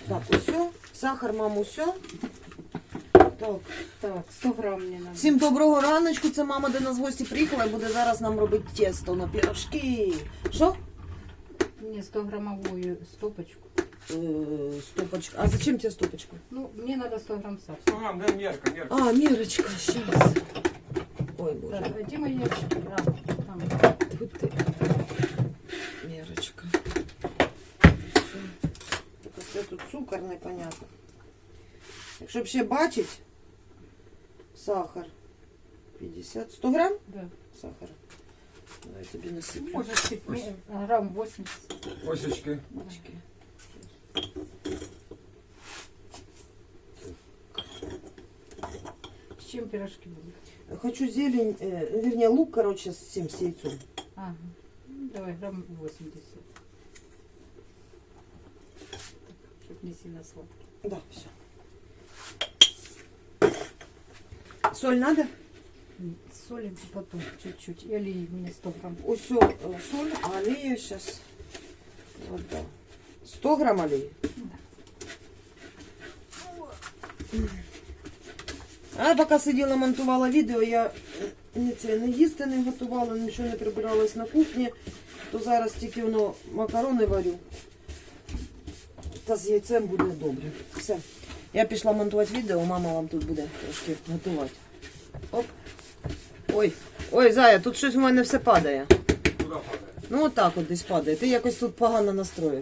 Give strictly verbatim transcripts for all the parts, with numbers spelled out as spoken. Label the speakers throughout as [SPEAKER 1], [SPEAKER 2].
[SPEAKER 1] Так, усе. Сахар, маму, все. Так.
[SPEAKER 2] Так, сто грам мені надо.
[SPEAKER 1] Всім доброго раночку. Це мама до нас в гості приїхала і буде зараз нам робити тісто на пирожки. Що?
[SPEAKER 2] Мне сто граммовую стопочку.
[SPEAKER 1] Е, стопочка. А зачем тебе стопочка?
[SPEAKER 2] Ну, мне надо сто грамм сахара.
[SPEAKER 3] сто грамм, да, мерка, мерка.
[SPEAKER 1] А, мерочка, сейчас. Ой, боже.
[SPEAKER 2] Так, где мои ящики? А, там.
[SPEAKER 1] Тут ти. Мерочка. Все. Так це тут цукор непонятно. Якщо б ще бачить, сахар. п'ятдесят. сто грам
[SPEAKER 2] Да.
[SPEAKER 1] сахара. Давай тобі насиплю.
[SPEAKER 2] Может, чуть ме- грамм восемьдесят.
[SPEAKER 3] Осечки.
[SPEAKER 1] Очки.
[SPEAKER 2] С чем пирожки будут?
[SPEAKER 1] Хочу зелень, э, вернее лук, короче, с всем с яйцом.
[SPEAKER 2] Ага. Ну, давай грамм восемьдесят. Чтобы не сильно сладкий.
[SPEAKER 1] Да, все. Соль надо?
[SPEAKER 2] М, Солим потом чуть-чуть. И олеи мне сто грамм.
[SPEAKER 1] Усё, э, соль, а аллею сейчас. Вот, да. сто грамм аллеи. А поки сиділа, монтувала відео, я не це не їсти не готувала, нічого не прибиралась на кухні, то зараз тільки воно макарони варю. Та з яйцем буде добре. Все. Я пішла монтувати відео, мама вам тут буде трошки готувати. Оп. Ой, ой, Зая, тут щось в мене все падає.
[SPEAKER 3] Куда падает?
[SPEAKER 1] Ну отак от десь падає. Ти якось тут погано настроїв.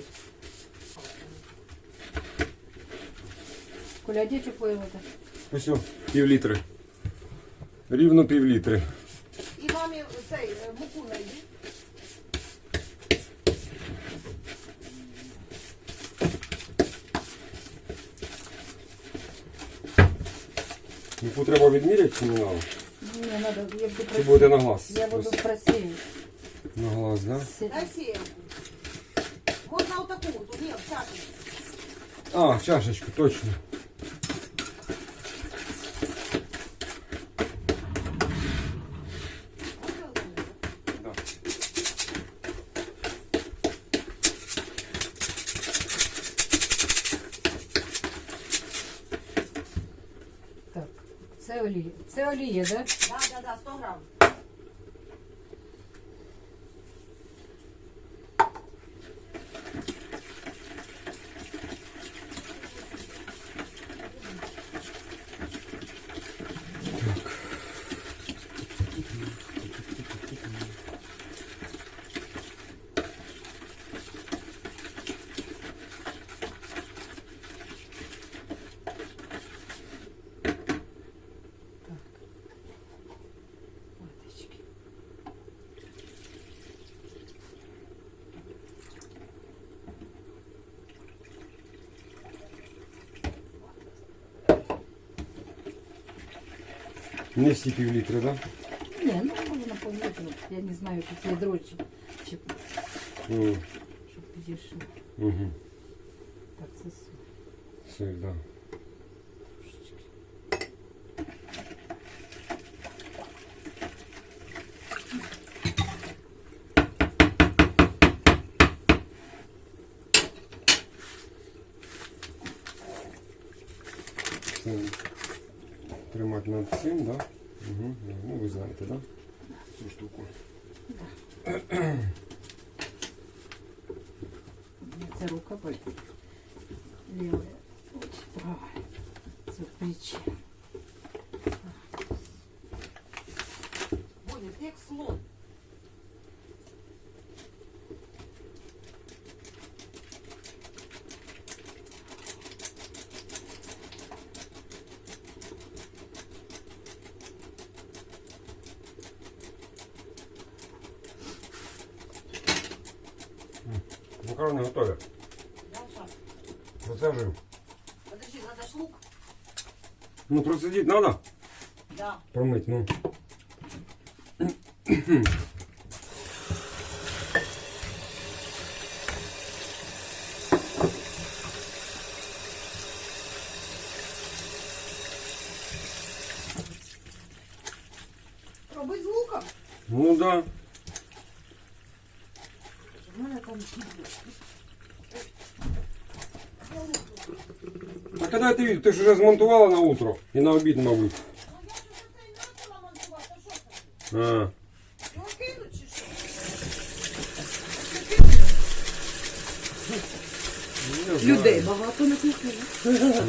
[SPEAKER 2] Коля, а где теплое вода?
[SPEAKER 3] Ось, пів літри. Рівно пів літри.
[SPEAKER 1] І мамі цей муку найди.
[SPEAKER 3] Муку треба відміряти чи не треба?
[SPEAKER 2] Мне надо, я буду
[SPEAKER 3] Чи буде на глаз?
[SPEAKER 2] Я буду
[SPEAKER 3] Ось,
[SPEAKER 2] просеять.
[SPEAKER 3] на глаз, да?
[SPEAKER 1] Дай сіємку. Можна отаку, тут ні, в чашечку.
[SPEAKER 3] А, чашечку, точно. Да.
[SPEAKER 2] Так, це олія. Це олія, да?
[SPEAKER 1] Да, да, да, сто грам.
[SPEAKER 2] Водички.
[SPEAKER 3] Не всі пів літри, да?
[SPEAKER 2] Не, ну можно поллитра. Я не знаю, какие дрожжи. Щоб,
[SPEAKER 3] Угу.
[SPEAKER 2] щоб підійшло.
[SPEAKER 3] Угу.
[SPEAKER 2] Так, це су-
[SPEAKER 3] Сир, да.
[SPEAKER 2] трошечки.
[SPEAKER 3] Це тримати над цим, да? Угу. Ну, ви знаєте, да? Цю штуку.
[SPEAKER 2] Це рука болить. Левая. Ось, правая. Це плечі.
[SPEAKER 1] Буде, як слон.
[SPEAKER 3] Макарони готові.
[SPEAKER 1] Да, щас.
[SPEAKER 3] Процежуємо.
[SPEAKER 1] Подожди, надо ж лук.
[SPEAKER 3] Ну, процедити треба?
[SPEAKER 1] Да.
[SPEAKER 3] Промить, ну.
[SPEAKER 1] Робить з луком.
[SPEAKER 3] Ну да.
[SPEAKER 1] У мене там кілька. Я лук тут.
[SPEAKER 3] А коли ти, ти ж вже змонтувала на утро і на обід, мабуть. А.
[SPEAKER 1] Ну, кинуть чи що?
[SPEAKER 3] Не знаю.
[SPEAKER 1] Людей багато на кухні.
[SPEAKER 3] Ага.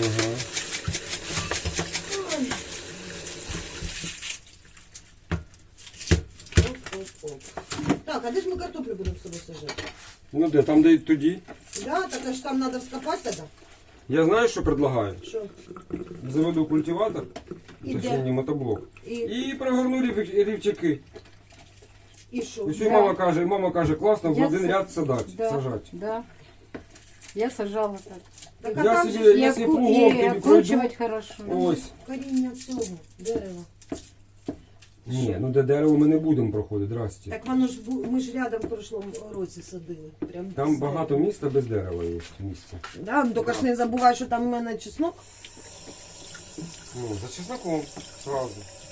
[SPEAKER 1] Оп-оп-оп. Так, а де ж ми картоплю будемо з тобою сажати?
[SPEAKER 3] Ну де, там де й тоді.
[SPEAKER 1] Да, так а ж там треба вскопати тоді.
[SPEAKER 3] Я знаю, що предлагаю.
[SPEAKER 1] Що?
[SPEAKER 3] Заведу культиватор,
[SPEAKER 1] І
[SPEAKER 3] точніше
[SPEAKER 1] де?
[SPEAKER 3] мотоблок.
[SPEAKER 1] І,
[SPEAKER 3] І прогорну рів- рівчаки.
[SPEAKER 1] і що?
[SPEAKER 3] Ось
[SPEAKER 2] Да.
[SPEAKER 3] мама каже, мама каже, класно, в
[SPEAKER 2] Я
[SPEAKER 3] один
[SPEAKER 2] с-
[SPEAKER 3] ряд садать,
[SPEAKER 2] Да,
[SPEAKER 3] сажать.
[SPEAKER 2] да. Я сажала так.
[SPEAKER 1] Так, а
[SPEAKER 3] Я
[SPEAKER 1] там
[SPEAKER 3] собі-
[SPEAKER 1] же
[SPEAKER 2] И,
[SPEAKER 3] Если
[SPEAKER 2] оку-
[SPEAKER 3] плугом
[SPEAKER 2] и
[SPEAKER 3] тобі
[SPEAKER 2] окручивать хорошо.
[SPEAKER 3] Ось.
[SPEAKER 1] коріння цього дерева.
[SPEAKER 3] Ні, ну де дерево ми не будемо проходити, здрасте.
[SPEAKER 1] Так воно ж бу- ми ж рядом в прошлому році садили. Прям
[SPEAKER 3] Там
[SPEAKER 1] з
[SPEAKER 3] багато
[SPEAKER 1] дерева.
[SPEAKER 3] міста без дерева є місця.
[SPEAKER 1] Да, ну тільки ж не забувай, що там у мене чеснок.
[SPEAKER 3] Ну, за чесноком сразу.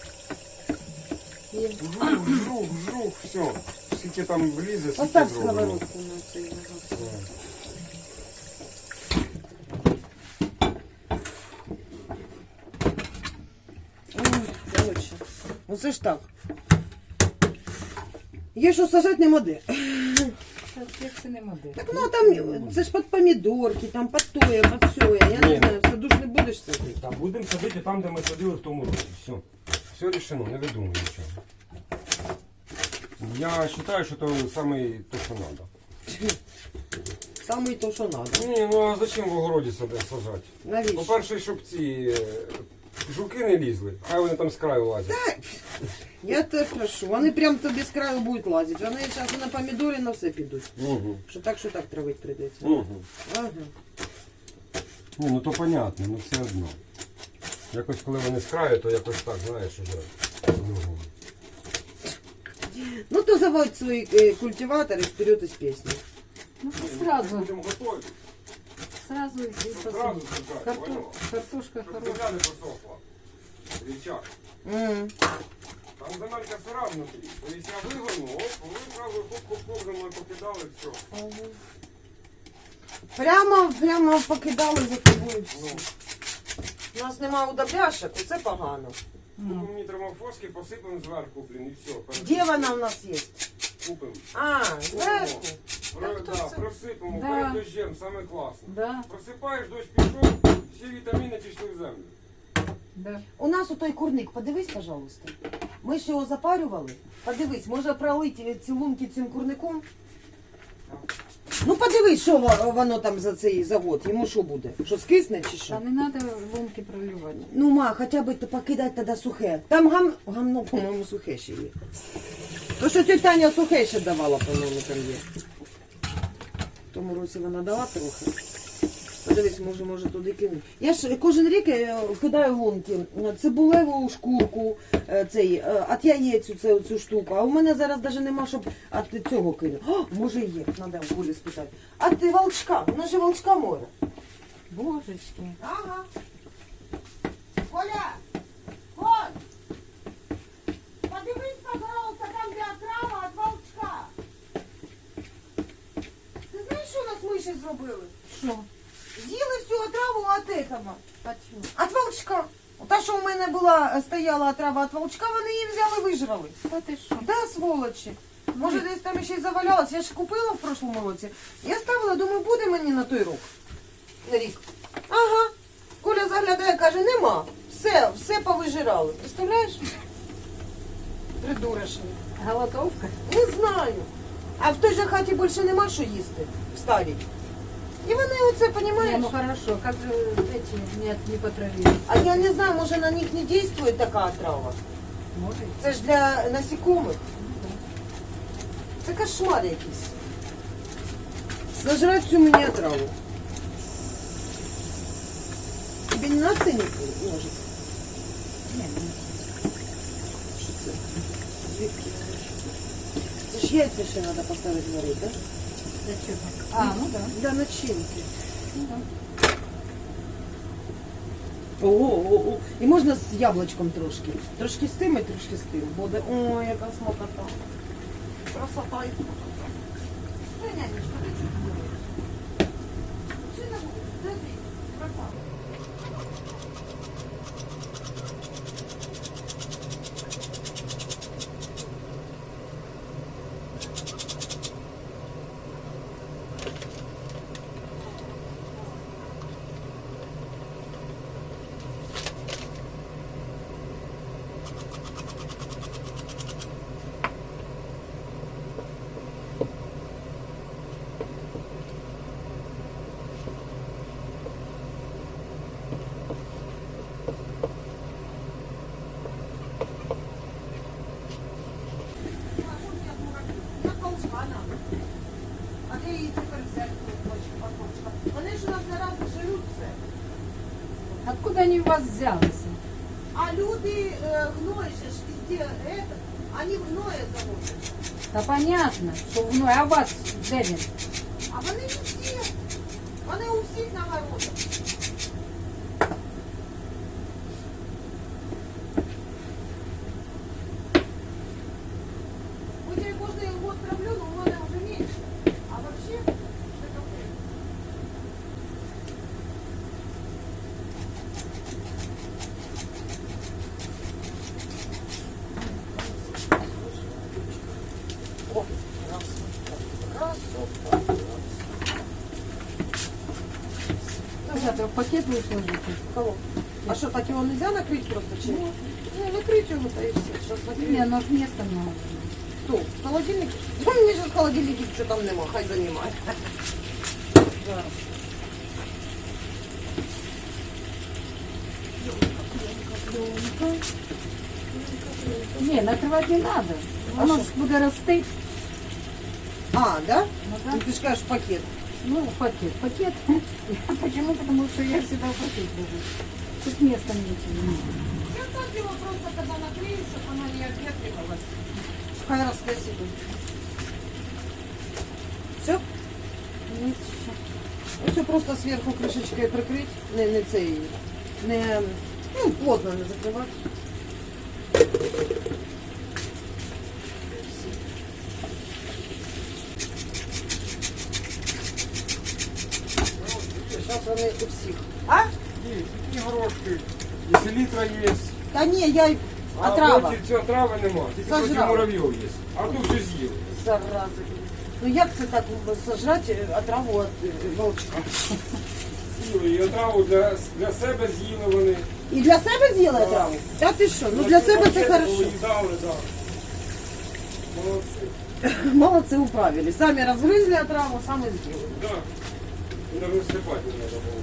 [SPEAKER 2] И
[SPEAKER 3] Жух, жух, жух, все. Скільки там влізе, скільки
[SPEAKER 1] Поставь
[SPEAKER 3] зроблено.
[SPEAKER 1] сковородку на цей вагон.
[SPEAKER 3] Да.
[SPEAKER 1] Ой, коротше, оце ж так. Є що сажати нема де.
[SPEAKER 2] так, як це не модель.
[SPEAKER 1] Так ну там, це ж під помідорки, там під тоє, під сьоє. Я
[SPEAKER 3] Ні.
[SPEAKER 1] не знаю, в саду ж не будеш садити.
[SPEAKER 3] Там будемо садити там, де ми садили в тому році. Все. Все рішено, не видумуй нічого. Я вважаю, що це саме те, що треба.
[SPEAKER 1] Саме то, що треба.
[SPEAKER 3] Ні, ну а зачем в огороді сади- сажати?
[SPEAKER 1] Навіщо?
[SPEAKER 3] По-перше, щоб ці е, жуки не лізли, хай вони там з краю лазять.
[SPEAKER 1] Я тебе прошу, вони прям тобі з краю будуть лазити. Вони зараз на помідорі на все підуть.
[SPEAKER 3] Угу.
[SPEAKER 1] Що так, що так травити прийдеться.
[SPEAKER 3] Угу.
[SPEAKER 1] Ага.
[SPEAKER 3] Ні, ну то понятно, ну все одно. Якось коли вони з краю, то якось так, знаєш, уже. Ну,
[SPEAKER 1] Ну то заводь свої е, культиватори вперед із пісні.
[SPEAKER 2] Ну, ты сразу,
[SPEAKER 3] будемо готувати.
[SPEAKER 2] сразу и
[SPEAKER 3] Сразу
[SPEAKER 2] посадить.
[SPEAKER 3] сажати,
[SPEAKER 2] Карто-
[SPEAKER 3] поняла?
[SPEAKER 2] Картошка
[SPEAKER 3] Щоб
[SPEAKER 2] хорошая.
[SPEAKER 3] земля не просохла. Річак.
[SPEAKER 1] М.
[SPEAKER 3] Там земелька сира внутрі. Тобто я вигорну, оп, ви одразу хоп-хоп-хоп за мною покидали, все.
[SPEAKER 1] Прямо, прямо покидали за тобою.
[SPEAKER 3] Ну,
[SPEAKER 1] У нас немає удобряшок, оце погано.
[SPEAKER 2] Ну,
[SPEAKER 3] купимо нітромофоски, посипемо зверху, блін, і все.
[SPEAKER 1] Де вона в нас є?
[SPEAKER 3] Купимо.
[SPEAKER 1] А, зверху.
[SPEAKER 3] Про,
[SPEAKER 1] Так, то
[SPEAKER 3] да,
[SPEAKER 1] все.
[SPEAKER 3] просипемо
[SPEAKER 2] Да.
[SPEAKER 3] перед дощем, саме класно.
[SPEAKER 2] да,
[SPEAKER 3] Просипаєш, дощ пішов, всі вітаміни пішли в землю.
[SPEAKER 2] да.
[SPEAKER 1] У нас отой курник, подивись, пожалуйста. Ми ж його запарювали. Подивись, може пролити ці лунки цим курником? Ну подивись, що во- воно там за цей завод. Йому що буде? Що скисне чи що?
[SPEAKER 2] Та не надо лунки проливать.
[SPEAKER 1] Ну, ма, хоча б то покидати тоді сухе. Там гам... гамно, по-моєму, сухе ще є. То, що тетя Таня сухе ще давала, по-моєму, там є. В тому році вона дала трохи. Подивись, може, може туди кинути. Я ж кожен рік е, кидаю лунки. Цибулеву шкурку, е, цей, е, от яєць цю, цю штуку. А у мене зараз навіть нема, щоб від цього кинути. О, може є, треба у Колі спитати. А ти волчка, у нас же волчка море.
[SPEAKER 2] Божечки.
[SPEAKER 1] Ага. Коля! Коль! Подивись, пожалуйста, там де отрава від волчка. Ти знаєш, що у нас миші зробили?
[SPEAKER 2] Що?
[SPEAKER 1] З'їли всю отраву від этого.
[SPEAKER 2] А чого?
[SPEAKER 1] Від волчка. Та, що у мене була, стояла отрава від волчка, вони її взяли, вижрали.
[SPEAKER 2] Та ти що?
[SPEAKER 1] Да, сволочі. Може, десь там ще й завалялась. Я ж купила в прошлому році. Я ставила, думаю, буде мені на той рік. На рік. Ага. Коля заглядає, каже, нема. Все, все повижирали. Представляєш? Придурочні.
[SPEAKER 2] Голодовка?
[SPEAKER 1] Не знаю. А в той же хаті більше нема що їсти. В старій. І вони оце,
[SPEAKER 2] Не,
[SPEAKER 1] понімаєш?
[SPEAKER 2] ну хорошо, как же эти нет, не потравились?
[SPEAKER 1] А я не знаю, може на них не дійствує така отрава.
[SPEAKER 2] Может.
[SPEAKER 1] Це ж для насекомих. Це кошмар якийсь. Сожрать всю мені отраву. Тебе не надо ценник ножик?
[SPEAKER 2] Нет, нет.
[SPEAKER 1] Що це? Звідки? Це ж яйця ще треба поставити варити, так?
[SPEAKER 2] Для чего? А, ну да.
[SPEAKER 1] Для начинки.
[SPEAKER 2] Ну да.
[SPEAKER 1] Ого-го-го. І можна з яблучком трошки. Трошки з тим і трошки з тим. Буде. Ой, яка смакота. Красота і смакота. Ой, нянечка, ти чого не робиш? Чи не буде? Де ти? Пропала. зарази жируть все.
[SPEAKER 2] Откуда они у вас взялись?
[SPEAKER 1] А люди э, гной же ж везде это, они в гное заводят.
[SPEAKER 2] Да понятно, что вновь, а у вас де він?
[SPEAKER 1] А вони везде. Вони у всіх на городах. Хоть я кожний год травлю, но у мене вже менше. А вообще, це капець. О, красота, красота.
[SPEAKER 2] Ребята, в пакет вы сложите?
[SPEAKER 1] Кого? А что, так его нельзя накрыть просто чем? Ну, накрыть его, то и все. Сейчас накрыть.
[SPEAKER 2] Не, но места много.
[SPEAKER 1] Что, в холодильнике? Да мне же в холодильнике что там нема, хай занимает. Зараз.
[SPEAKER 2] Не, накрывать не надо.
[SPEAKER 1] А
[SPEAKER 2] Оно
[SPEAKER 1] что?
[SPEAKER 2] ж буде рости.
[SPEAKER 1] А, да?
[SPEAKER 2] Ну, да.
[SPEAKER 1] Ну, ты же скажешь пакет.
[SPEAKER 2] Ну, в пакет. Пакет. Почему? Потому что я всегда в пакет ложу. Тут места меньше.
[SPEAKER 1] Я так его просто, когда накрою, чтобы она не обветривалась. Хай росте себе. Все?
[SPEAKER 2] Есть еще.
[SPEAKER 1] Все просто сверху крышечкой прикрыть. Не, не цей, не, ну, плотно не закрывать. Сейчас вони у всіх. А?
[SPEAKER 3] Є, такі горошки. І селітра є.
[SPEAKER 1] Та ні, я й-
[SPEAKER 3] А
[SPEAKER 1] отрава.
[SPEAKER 3] проти цього трави нема. Тільки проти
[SPEAKER 1] Сожрала.
[SPEAKER 3] муравйов є. А тут все з'їли.
[SPEAKER 1] Зараза. Ну як це так сожрати отраву від е, волчка?
[SPEAKER 3] З'їли. І отраву для, для себе з'їли вони.
[SPEAKER 1] І для себе з'їли отраву? Та ти що? Ну для себе це хорошо.
[SPEAKER 3] Поїдали, так. Молодці.
[SPEAKER 1] Молодці управили. Самі розгризли отраву, самі з'їли.
[SPEAKER 3] Так. Навіть стрипати не треба було.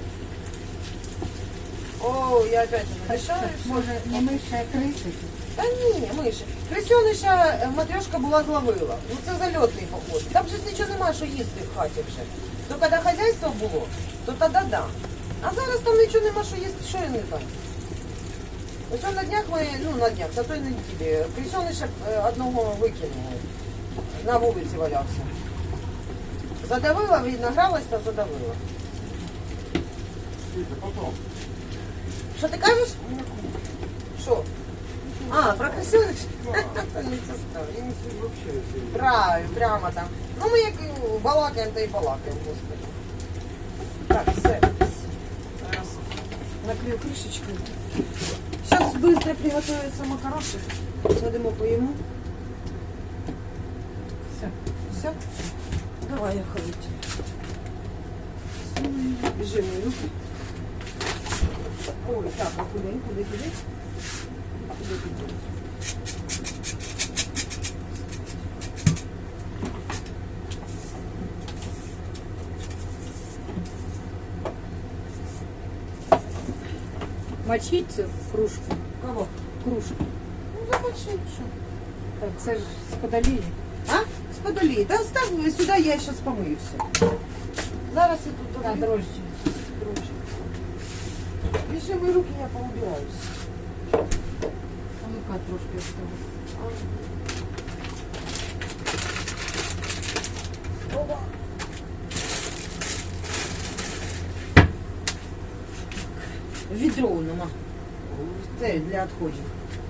[SPEAKER 1] О, я опять не мешаю.
[SPEAKER 2] Може, не миша, а крыша?
[SPEAKER 1] Та ні, миші. Крисьониша е, матрьошка була зловила. Ну це зальотний поход. Там же ж нічого немає, що їсти в хаті вже. То коли хазяйство було, то тоді да. А зараз там нічого нема, що їсти, що я не знаю. Ось на днях ми, ну на днях, за той неділі, крисьониша е, одного викинули. На вулиці валявся. Задавила, видно, гралась та задавила.
[SPEAKER 3] Світа, потім.
[SPEAKER 1] Що ти кажеш? Що? А, про крисьониш? Нічого страшного.
[SPEAKER 3] Я не сидів взагалі. не сидів.
[SPEAKER 1] Правильно, прямо там. Ну ми як балакаємо, то і балакаємо, господи. Так, все. Зараз накрию кришечкою. Зараз швидко приготуються макарошки. Садимо поїмо.
[SPEAKER 2] Все.
[SPEAKER 1] Все? Давай, я ходить. Біжи мої руки. Ой, так, а куди, куди, куди? Куди, куди?
[SPEAKER 2] Мочить цю кружку.
[SPEAKER 1] Кого?
[SPEAKER 2] Кружку.
[SPEAKER 1] Ну, замочи, що?
[SPEAKER 2] Так, це ж з подолії.
[SPEAKER 1] А? З подолі. Та став сюди, я зараз помию все. Зараз я тут
[SPEAKER 2] А,
[SPEAKER 1] додаю.
[SPEAKER 2] дрожжі.
[SPEAKER 1] Дрожжі. Біжи мої руки, я поубираюсь.
[SPEAKER 2] А ну-ка, трошки осталось.
[SPEAKER 1] Опа. Відро нема. Це для відходів.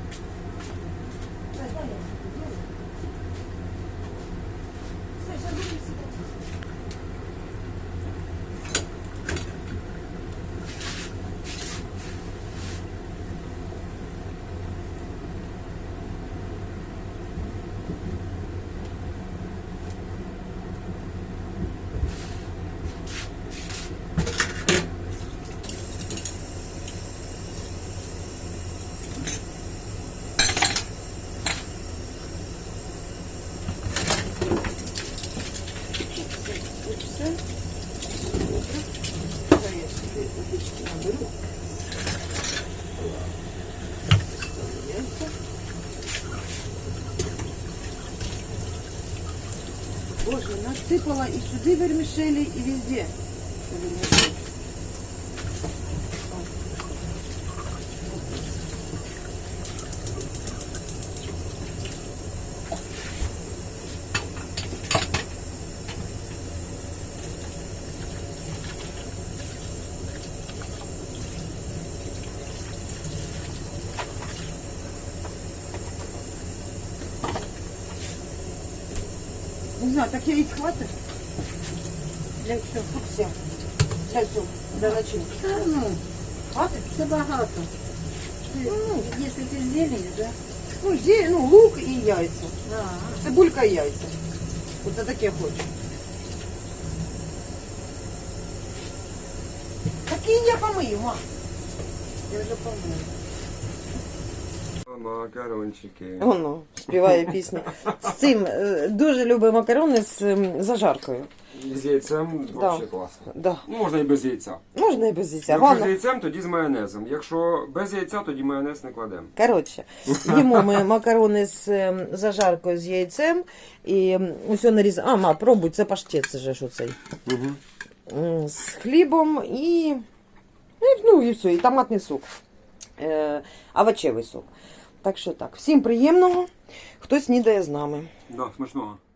[SPEAKER 1] Все. Зараз я сюди водички наберу. Ставляється. Боже, насипала і сюди вермішелі, і везде. Вермішель. знаю, так яиц хватить?
[SPEAKER 2] Для чого?
[SPEAKER 1] Тут все. Для цього, для начинки.
[SPEAKER 2] Та ну,
[SPEAKER 1] Хватить?
[SPEAKER 2] це багато. Ти,
[SPEAKER 1] Ну.
[SPEAKER 2] якщо ти зелень, да?
[SPEAKER 1] Ну, зі, ну, лук і яйця.
[SPEAKER 2] А,
[SPEAKER 1] Цибулька і яйця. Оце таке хочу. Такі я помию, ма.
[SPEAKER 2] я вже помила.
[SPEAKER 3] Макарончики.
[SPEAKER 1] Воно співає пісню. З цим е, дуже любить макарони з ем, зажаркою.
[SPEAKER 3] З яйцем
[SPEAKER 1] Да.
[SPEAKER 3] взагалі класно.
[SPEAKER 1] Да.
[SPEAKER 3] Ну, можна і без яйця.
[SPEAKER 1] Можна і без яйця.
[SPEAKER 3] Якщо з
[SPEAKER 1] Головне,
[SPEAKER 3] яйцем, тоді з майонезом. Якщо без яйця, тоді майонез не кладемо.
[SPEAKER 1] коротше, їмо ми макарони з ем, зажаркою з яйцем і ем, усе нарізаємо. А, ма, пробуй, це паштет, це же ж оцей.
[SPEAKER 3] Угу.
[SPEAKER 1] М, З хлібом і, і, ну, і все, і томатний сок. Е, овочевий сок. Так що так, всім приємного, хто снідає з нами.
[SPEAKER 3] Да, смачного.